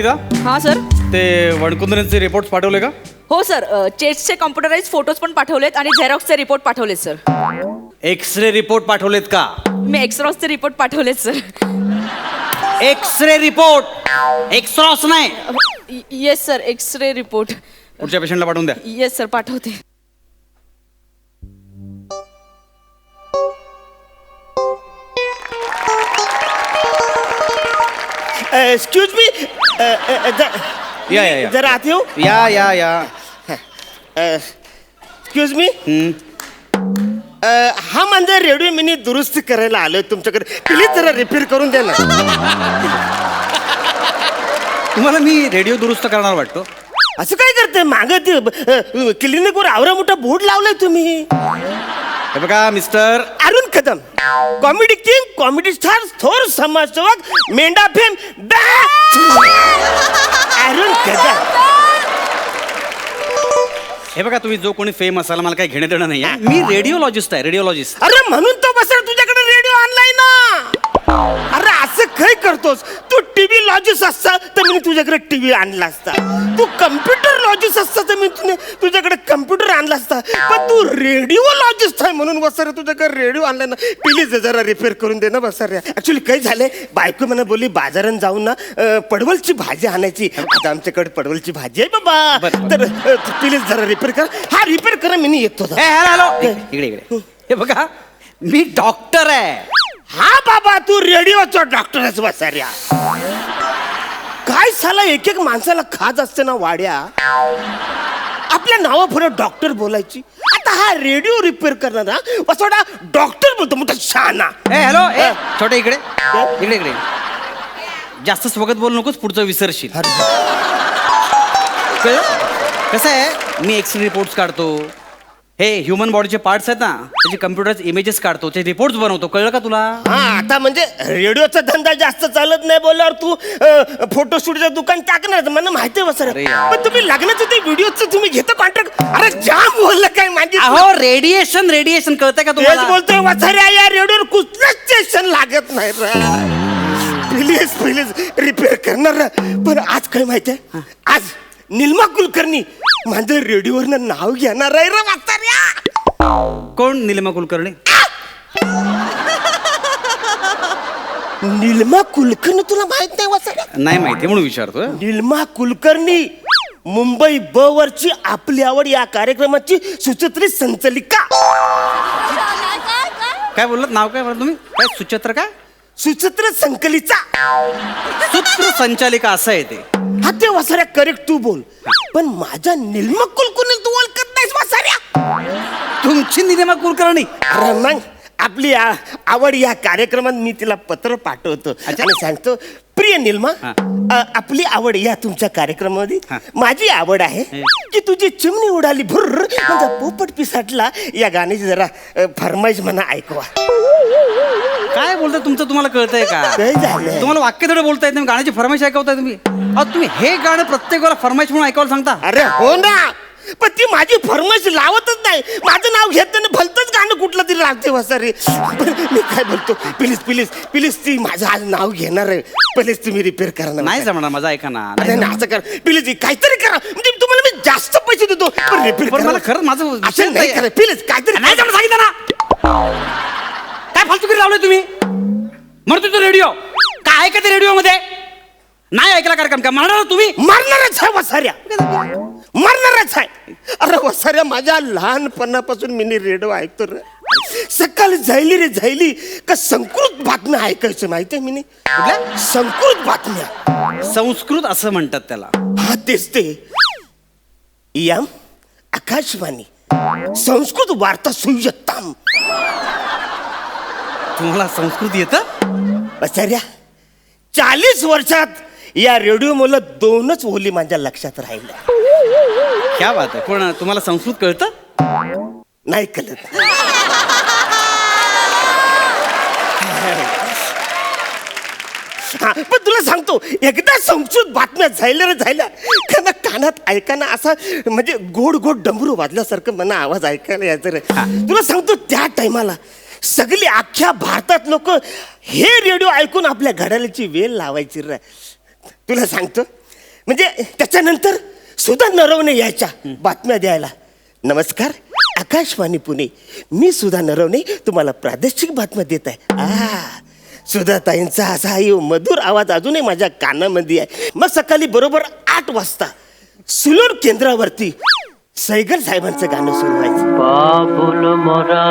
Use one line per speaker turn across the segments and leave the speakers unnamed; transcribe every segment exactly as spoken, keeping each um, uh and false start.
कविता,
हाँ सर.
ते वणकुंद्रेंचे रिपोर्ट्स पाठवले का?
हो सर, चेस्टचे कॉम्प्युटराइज फोटोज पण पाठवलेत आणि झेरॉक्सचे रिपोर्ट पाठवलेत सर.
एक्सरे रिपोर्ट पाठवलेत का?
मी एक्सरॉसचे रिपोर्ट पाठवलेत सर.
एक्सरे रिपोर्ट, एक्सरॉस नाही.
Yes sir, xray report.
पुढच्या पेशंटला पाठवून द्या.
येस सर, पाठवते.
एक्सक्यूज मी,
या या या.
जरा आते हो.
या या या.
एक्सक्यूज मी, हा म्हणजे रेडिओ मी दुरुस्त करायला आलोय तुमच्याकडे. प्लीज जरा रिपेअर करून द्या ना.
तुम्हाला मी रेडिओ दुरुस्त करणार वाटतो?
असं काय करते? माग ते क्लिनिकवर आवरा मोठा बोर्ड लावलाय तुम्ही.
हे बघा mister
Arun Kadam, comedy king, comedy star, थोर समाजसेवक, मेंढा फेम, अरुण कदम.
हे बघा, तुम्ही जो कोणी फेम असाल मला काही घेणं देणं नाही आहे. मी रेडिओलॉजिस्ट आहे, रेडिओलॉजिस्ट.
अरे म्हणून तो बसला तुझ्याकडे रेडिओ आणलाय ना. अरे असं काय करतोस तू? टीव्ही लॉजिस्ट असता तर मी तुझ्याकडे टीव्ही आणला असता. तू कम्प्युटर लॉजिस्ट असता तर मी तुझ्याकडे कम्प्युटर आणला असता. पण तू रेडिओ लॉजिस्ट आहे म्हणून बसरे तुझ्याकडे रेडिओ आणलाय ना. प्लीज जरा रिपेअर करून दे ना बसरे. ऍक्च्युली काय झालंय, बायको मला बोलली बाजारात जाऊन ना पडवलची भाजी आणायची. आता आमच्याकडे पडवलची भाजी आहे बाबा. तर प्लीज जरा रिपेअर कर. हा रिपेअर करा, मी येतो.
हॅलो, इकडे इकडे. हे बघा, मी डॉक्टर आहे.
हा बाबा, तू रेडिओचा डॉक्टरच बसाऱ्या. काय साला एक एक माणसाला खाज असते ना वाड्या. आपल्या नावा पुढे डॉक्टर बोलायची. आता हा रेडिओ रिपेअर करणारा बसवडा डॉक्टर बोलतो मोठा शहाणा.
ए हॅलो, ए छोटे इकडे इकडे इकडे. जास्त स्वगत बोल नकोस, पुढचं विसरशील. कसं आहे, मी एक्सरे रिपोर्ट्स काढतो. हे ह्युमन बॉडीचे पार्ट्स आहेत ना, त्याचे कम्प्युटर्स इमेजेस काढतो, ते रिपोर्ट्स बनवतो. कळलं का तुला?
हा, आता म्हणजे रेडिओचा धंदा जास्त चालत नाही बोलल्यावर तू फोटोशूटचं दुकान टाकणार मला माहिती आहे बसर. पण तुम्ही लग्नाचं ते व्हिडिओचं तुम्ही घेता कॉन्ट्रॅक्ट. अरे जाम बोललं काय माझी.
अहो, रेडिएशन रेडिएशन कळतंय का तुम्हाला?
बोलतोय वसाऱ्या, या रेडिओवर कुठलंच स्टेशन लागत नाही. प्लीज प्लीज रिपेअर करणार. पण आज काय माहितीये, आज निलमा कुलकर्णी माझं रेडिओवरनं नाव घेणार आहे रे वाचाऱ्या.
कोण निलिमा कुलकर्णी?
निलमा कुलकर्णी तुला माहित नाही वाचाऱ्या?
नाही माहिती म्हणून विचारतोय.
निलमा कुलकर्णी मुंबई ब वरची आपली आवड या कार्यक्रमाची सुचित्री संचालिका.
काय बोललात? नाव काय बोलला तुम्ही? काय सुचित्र? काय
सुचित्र संकलिता,
सूत्र संचालिका असं आहे ते.
हा ते वसाऱ्या करेक्ट तू बोल. पण माझ्या निलमा कुलकर्णी तू ओळखत नाहीस वसाऱ्या.
तुमची निलिमा कुलकर्णी?
अरे मग आपली आ- आवड या कार्यक्रमात मी तिला पत्र पाठवतो आणि सांगतो, प्रिय निलमा, अ, आपली आवड या तुमच्या कार्यक्रमामध्ये माझी आवड आहे की तुझी चिमणी उडाली भुर्र माझा पोपट पिसाटला या गाण्याची जरा अ, फरमाईश म्हणा ऐकवा.
काय बोलताय? तुमचं तुम्हाला कळतंय का?
काय झालं?
तुम्हाला वाक्य थोडं बोलताय, तुम्ही गाण्याची फरमाईश ऐकवताय तुम्ही. अहो, तुम्ही हे गाणं प्रत्येक वेळेला फरमाईश म्हणून ऐकायला सांगता.
अरे हो ना, पण ती माझी फरमाईश लावतच नाही. माझं नाव घेताना भलतंच गाणं कुठलं तरी लागते वसारे. मी काय बोलतो, प्लीज प्लीज प्लीज ती माझं आज नाव घेणार आहे. प्लीज तुम्ही रिपेअर करा ना.
नाही जमणार, माझा ऐका ना.
अरे ना, असं करा प्लीज, काहीतरी करा. म्हणजे तुम्हाला मी जास्त पैसे देतो पण रिपेअर
पण
करा.
मला खरंच माझं
असं नाही करा प्लीज. काहीतरी
नाही जमणार, सांगितलं ना. काय फालतूगिरी लावलंय तुम्ही? म्हणतो तो रेडिओ काय ऐकते रेडिओ मध्ये? नाही ऐकला कार्यक्रम का मारणार तुम्ही?
मारणारच आहे वसाऱ्या, मारणारच आहे. अरे वसाऱ्या, माझ्या लहानपणापासून मी रेडिओ ऐकतो रे. सकाळी जायली रे जायली का संस्कृत बातम्या ऐकायचं माहितीये मी. संस्कृत बातम्या,
संस्कृत असं म्हणतात त्याला.
हा तेच ते. यम आकाशवाणी संस्कृत वार्ता सुयत्ताम.
तुम्हाला संस्कृत येतं?
वसाऱ्या, चाळीस वर्षात या रेडिओ मुलं दोनच ओली माझ्या लक्षात राहिल्या.
क्या बात आहे. पण तुम्हाला संस्कृत कळतं?
नाही कळत. हा, पण तुला सांगतो, एकदा संस्कृत बातम्या झाल्या रे झाल्या का कानात ऐकाना असा म्हणजे गोड गोड डमरू वाजल्यासारखं मला आवाज ऐकायला यायचं रे. तुला सांगतो, त्या टायमाला सगळी अख्ख्या भारतात लोक हे रेडिओ ऐकून आपल्या घड्याळाची वेल लावायची रे. तुला सांगतो, म्हणजे त्याच्यानंतर सुधा नरवणे यायच्या बातम्या द्यायला. नमस्कार, आकाशवाणी पुणे, मी सुधा नरवणे तुम्हाला प्रादेशिक बातम्या देत आहे. आ सुधाताईंचा असा यो मधुर आवाज अजूनही माझ्या कानामध्ये आहे. मग सकाळी बरोबर आठ वाजता सुलूर केंद्रावरती सैगल साहेबांचं गाणं सुरू व्हायचं.
बाबुल मोरा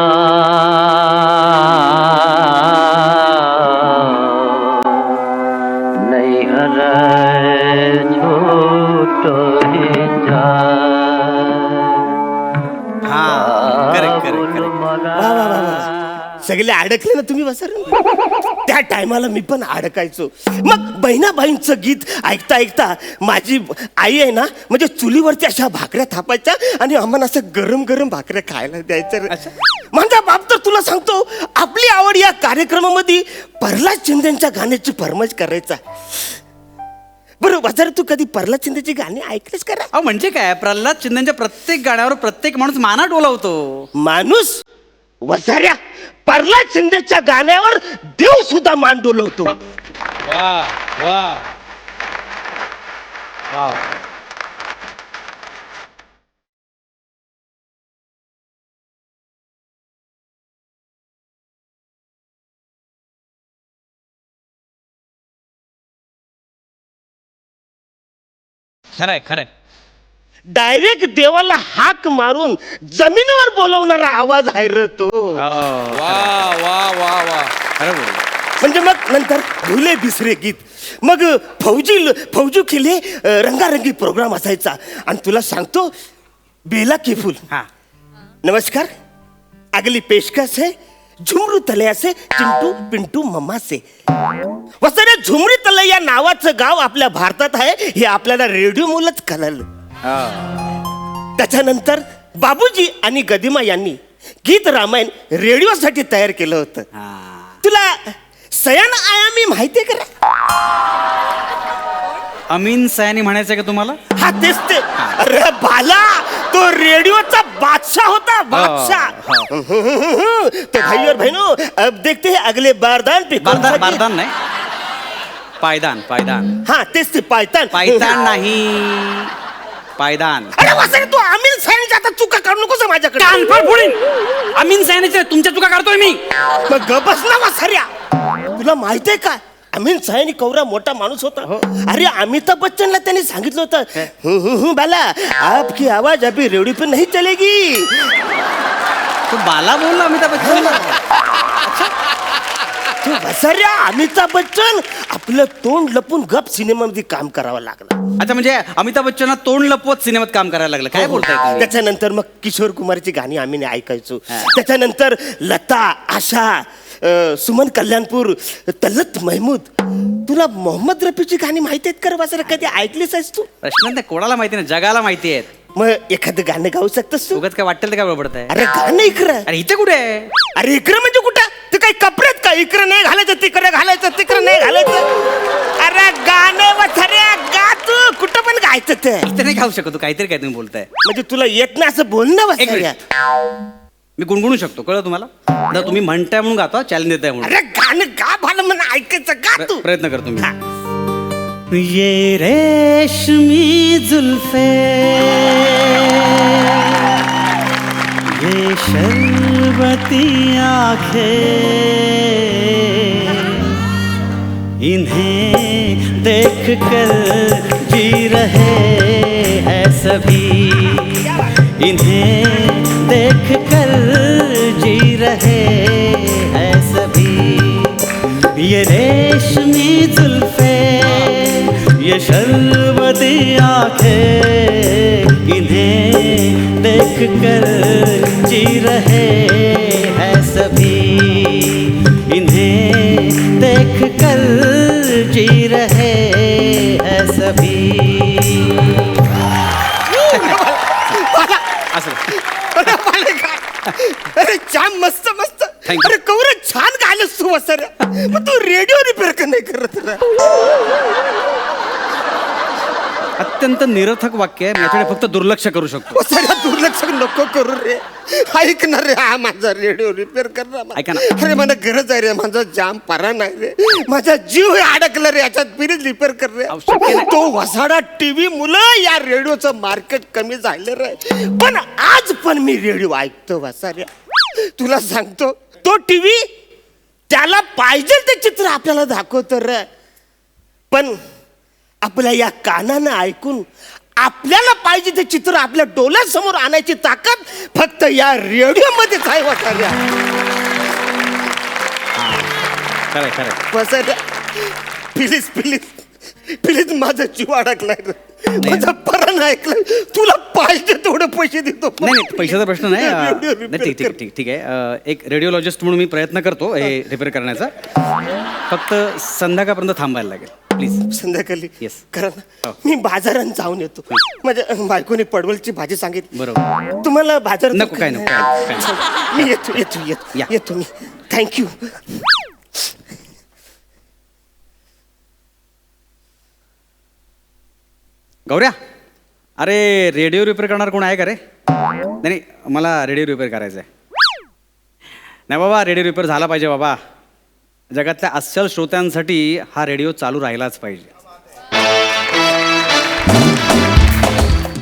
नहीं हराए छोटो ही जाए.
हा करेक्ट करेक्ट करेक्ट.
वा वा वा वा. सगळे अडकले ना तुम्ही बसर. त्या टायमाला मी पण अडकायचो. मग बहिणाबाईंचं गीत ऐकता ऐकता माझी आई आहे ना, म्हणजे चुलीवरती अशा भाकऱ्या थापायच्या आणि आम्हाला असं गरम गरम भाकऱ्या खायला द्यायचं. माझा बाप तर तुला सांगतो आपली आवड या कार्यक्रमामध्ये प्रल्हाद शिंदेच्या गाण्याची फरमाईश करायचा. बरोबर जर तू कधी प्रल्हाद शिंदेची गाणी ऐकलीस करा.
अहो म्हणजे काय, प्रल्हाद शिंदेच्या प्रत्येक गाण्यावर प्रत्येक माणूस माना डोलावतो.
माणूस वसाऱ्या प्रल्हाद शिंदेच्या गाण्यावर देव सुद्धा मान डोलवतो.
वा वा वा. खरंय खरंय.
डायरेक्ट देवाला हाक मारून जमिनीवर बोलवणारा आवाज आहे रे तो.
वा वा वा वा. खरं बोल.
म्हणजे मग नंतर भुले बिसरे गीत, मग फौजी फौजू खिले रंगारंगी प्रोग्राम असायचा. आणि तुला सांगतो बेला के फूल.
हा
नमस्कार, अगली पेशकश है झुमरू तलैया से चिंटू पिंटू मम्मा से. वसरे झुमरी तलैया या नावाचं गाव आपल्या भारतात आहे हे आपल्याला रेडिओ मुलंच कळलं. त्याच्यानंतर बाबूजी आणि गदिमा यांनी गीत रामायण रेडिओसाठी तयार केलं होतं. तुला सयान आयामी माहितीये का?
अमीन सयानी म्हणायचं का तुम्हाला?
हा तेच ते. अरे बाला, तो रेडिओचा बादशाह होता, बादशाह. तो भाई और बहनों, अब देखते हैं अगले बारदान पे कौन सा
बारदान
गीत-
बारदान नाही, पायदान पायदान.
हा तेच ते पायतान.
पायदान नाही, पायदान.
अरे वसरे तू अमीन सयानीच्या आता चुका काढू नकोस माझ्याकडे.
कानफड फोडीन. अमीन सयानीच्या तुमच्या चुका काढतोय मी.
मग गप बस ना वसऱ्या. तुला माहितीये का अमीन सयानी कवरा मोठा माणूस होता. अरे अमिताभ बच्चनला त्यांनी सांगितलं होतं, हु, हु, हु, बाला आपकी आवाज अभी रेडियो पे नहीं चलेगी.
तू बाला बोलला अमिताभ बच्चन.
तू वसऱ्या अमिताभ बच्चन आपलं तोंड लपून गप सिनेमामध्ये काम करावं लागलं.
अच्छा म्हणजे अमिताभ बच्चन तोंड लपवत सिनेमात काम करायला लागलं. काय बोलताय तुम्ही?
त्याच्यानंतर मग किशोर कुमारची गाणी आम्ही ऐकायचो. त्याच्यानंतर लता, आशा, अ, सुमन कल्याणपूर, तलत महमूद. तुला मोहम्मद रफीची गाणी माहिती आहेत का वसऱ्या? कधी ऐकलीस आहेस तू?
प्रश्न नाही, कोणाला माहिती नाही, जगाला माहिती आहेत.
मग एखादं गाणं गाऊ शकतोस तू?
उगाच काय वाटेल ते काय बडबडत आहे.
अरे गाणं इकडं.
अरे इथे कुठे आहे?
अरे इकडं म्हणजे कुठं? ते काही कपड्यात का इकडं नाही घालायचं तिकडे घालायचं तिकडं नाही घालायचं. अरे गाणं वथऱ्या गा तू, कुठं पण गायचं ते.
इथे नाही खाऊ शकतो, काहीतरी काय तुम्ही बोलताय.
म्हणजे तुला येत नाही असं बोलणं
एक
वथऱ्या.
मिनिट. मी गुणगुणू शकतो, कळलं तुम्हाला? आता तुम्ही म्हणताय म्हणून गातो, चॅलेंज देताय म्हणून.
अरे गाणं गा भालं म्हणून ऐकायचं गा तू.
प्रयत्न करतो मी. ये रेशमी जुल्फे, ये शरबती आंखें, इन्हें देख कर जी रहे हैं सभी, इन्हें देख कर जी रहे हैं सभी. ये रेशमी जुल्फे, ये शरबती आंखें, इन्हें देख कर जी रहे हैं सभी, इन्हें देख कर जी रहे हैं सभी.
अरे छान, मस्त मस्त.
Thank you.
अरे कवर छान गायलंस तू वसर. मग तू रेडिओ रिपेअर का नाही करत रे?
अत्यंत निरर्थक वाक्य आहे, मी याच्याकडे फक्त दुर्लक्ष करू शकतो.
वसाऱ्या दुर्लक्ष नको करू रे. ऐक ना रे, हा माझा रेडिओ रिपेअर कर ना.
ऐका ना.
अरे मला गरज आहे रे, माझा जाम परा नाही रे, माझा जीव हे अडकला रे याच्यात. प्लीज रिपेअर कर रे.
अहो, शक्य नाही.
तो वसाडा टीव्ही मुलं या रेडिओचं मार्केट कमी झालं रे, पण आज पण मी रेडिओ ऐकतो वसाऱ्या. तुला सांगतो, तो टीव्ही त्याला पाहिजे ते चित्र आपल्याला दाखवतो रे, पण आपल्या या कानानं ऐकून आपल्याला पाहिजे ते चित्र आपल्या डोळ्यासमोर आणायची ताकद फक्त या रेडिओ मध्येच आहे वसाऱ्या.
खरंय खरंय.
वसाऱ्या प्लीज प्लीज प्लीज, माझा जीव अडकलाय रे, माझा परण ऐकलाय. तुला पाहिजे तेवढे पैसे देतो.
नाही नाही, पैशाचा प्रश्न नाही. अं,
रेडिओ
नाही, ठीक ठीक ठीक ठीक आहे. अं, एक रेडिओलॉजिस्ट म्हणून मी प्रयत्न करतो हे रिपेअर करण्याचा. फक्त संध्याकाळपर्यंत थांबायला लागेल प्लीज.
संध्याकाळी
Yes.
करा ना.
हो.
मी बाजारात जाऊन येतो. माझ्या बायकोने पडवलची भाजी सांगितली.
बरोबर.
तुम्हाला बाजारात
नको, काय नको, काय नको.
मी येतो येतो येतो
या.
येतो मी. थँक्यू.
गौऱ्या, अरे रेडिओ रिपेअर करणार कोण आहे का रे? नाही नाही, मला रेडिओ रिपेअर करायचा आहे. नाही बाबा, रेडिओ रिपेअर झाला पाहिजे बाबा. जगातल्या अस्सल श्रोत्यांसाठी हा रेडिओ चालू राहिलाच पाहिजे.